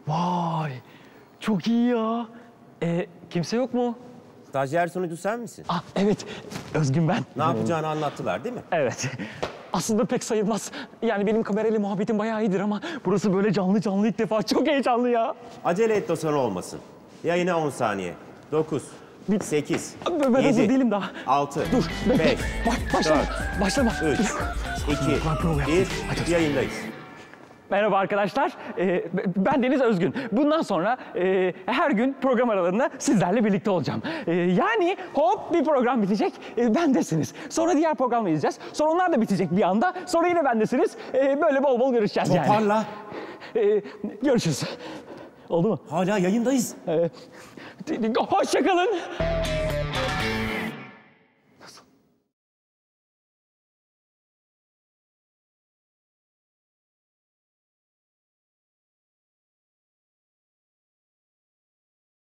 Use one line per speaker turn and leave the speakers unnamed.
Vay, çok iyi ya. Kimse yok mu?
Stajyer sunucu sen misin?
Ah evet, Özgün ben.
Ne yapacağını anlattılar değil mi?
Evet. Aslında pek sayılmaz. Yani benim kamerayla muhabbetim bayağı iyidir ama burası böyle canlı canlı ilk defa. Çok heyecanlı ya.
Acele et de sonra olmasın. Yayına 10 saniye. 9, 8,
Ben
7,
hazır değilim daha.
6,
Dur,
5,
başlama.
4,
Başlama.
3, 2, 1, yayındayız.
Merhaba arkadaşlar, ben Deniz Özgün. Bundan sonra her gün program aralarında sizlerle birlikte olacağım. Yani hop bir program bitecek, bendesiniz. Sonra diğer programı izleyeceğiz. Sonra onlar da bitecek bir anda. Sonra yine bendesiniz. Böyle bol bol görüşeceğiz yani.
Toparla.
Görüşürüz. Oldu mu?
Hala yayındayız.
Hoşça kalın.